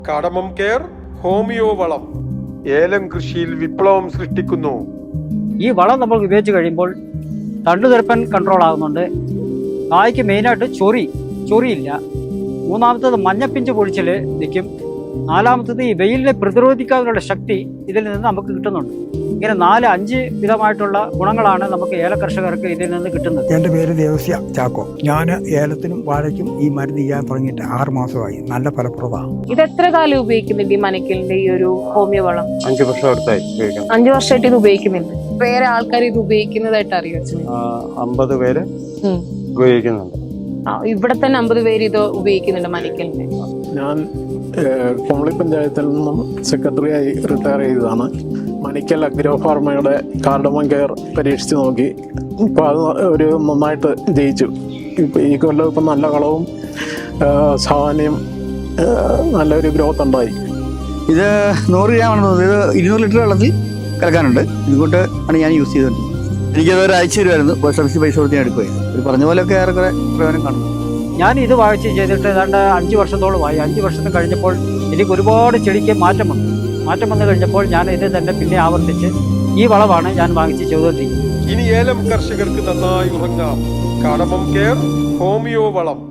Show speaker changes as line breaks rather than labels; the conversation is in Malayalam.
കടമം കെയർ ഹോമിയോ വളം ഏലം കൃഷിയിൽ വിപ്ലവം സൃഷ്ടിക്കുന്നു.
ഈ വളം നമ്മൾ ഉപയോഗിച്ച് കഴിയുമ്പോൾ തണ്ടുതിരപ്പൻ കൺട്രോൾ ആകുന്നുണ്ട്. കായ്ക്ക് മെയിനായിട്ട് ചൊറിയില്ല. മൂന്നാമത്തത് മഞ്ഞപ്പിഞ്ച് പൊഴിച്ചിൽ നിൽക്കും. നാലാമത്തത് ഈ വെയിലിനെ പ്രതിരോധിക്കാനുള്ള ശക്തി ഇതിൽ നിന്ന് നമുക്ക് കിട്ടുന്നുണ്ട്. ഇങ്ങനെ 4-5 വിധമായിട്ടുള്ള ഗുണങ്ങളാണ് നമുക്ക് ഏല കർഷകർക്ക് ഇതിൽ നിന്ന് കിട്ടുന്നത്.
എൻ്റെ പേര് ദേവസ്യ ചാക്കോ. ഞാൻ ഏലത്തിനും വാഴയ്ക്കും ഈ മരുന്ന് ചെയ്യാൻ തുടങ്ങിയിട്ട് 6 മാസമായി. നല്ല ഫലപ്രദമാണ്.
ഇത് എത്ര കാലം ഉപയോഗിക്കുന്നുണ്ട് ഈ മനക്കലിന്റെ ഈ ഒരു ഹോമിയോ വളം?
5 വർഷം അടുത്തായി
5 വർഷമായിട്ട് ഇത് ഉപയോഗിക്കുന്നുണ്ട്. വേറെ ആൾക്കാർ ഇത് ഉപയോഗിക്കുന്നതായിട്ട് അറിയോ?
50 പേര് ഉപയോഗിക്കുന്നുണ്ട്.
ഇവിടെ തന്നെ 50 പേര് ഇത് ഉപയോഗിക്കുന്നുണ്ട് മനക്കലിന്റെ.
ഞാൻ കുമളി പഞ്ചായത്തിൽ നിന്നും സെക്രട്ടറിയായി റിട്ടയർ ചെയ്തതാണ്. മണിക്കൽ അഗ്രോ ഫാർമയുടെ കാർഡമം കെയർ പരീക്ഷിച്ച് നോക്കി. ഇപ്പോൾ അത് ഒരു നന്നായിട്ട് ജയിച്ചു. ഇപ്പോൾ ഈ കൊല്ലം ഇപ്പം നല്ല കളവും സാമാന്യം നല്ലൊരു ഗ്രോത്ത് ഉണ്ടായി.
ഇത് 100 ഗ്രാമാണ് തോന്നുന്നത്. ഇത് 200 ലിറ്റർ വെള്ളത്തിൽ കലക്കാനുണ്ട്. ഇതുകൊണ്ട് ആണ് ഞാൻ യൂസ് ചെയ്തുകൊണ്ട്. എനിക്കത് ഒരാഴ്ച വരുമായിരുന്നു. സർവീസ് പൈസ കൊടുത്ത് ഞാൻ എടുക്കുമായിരുന്നു. ഒരു പറഞ്ഞ പോലെയൊക്കെ ഏറെക്കുറെ പ്രയോജനം കാണും.
ഞാൻ ഇത് വായിച്ച് ചെയ്തിട്ട് ഏതാണ്ട് 5 വർഷത്തോളമായി. 5 വർഷത്തിന് കഴിഞ്ഞപ്പോൾ എനിക്ക് ഒരുപാട് ചെടിക്ക് മാറ്റം വന്നു കഴിഞ്ഞപ്പോൾ ഞാൻ ഇത് തന്നെ പിന്നെ ആവർത്തിച്ച് ഈ വളമാണ് ഞാൻ വാങ്ങിച്ച് ചെയ്തുകൊണ്ടിരിക്കുന്നത്.
ഇനി ഏലം കർഷകർക്ക് നന്നായി ഉറങ്ങാം. കടമം കെയർ ഹോമിയോ വളം.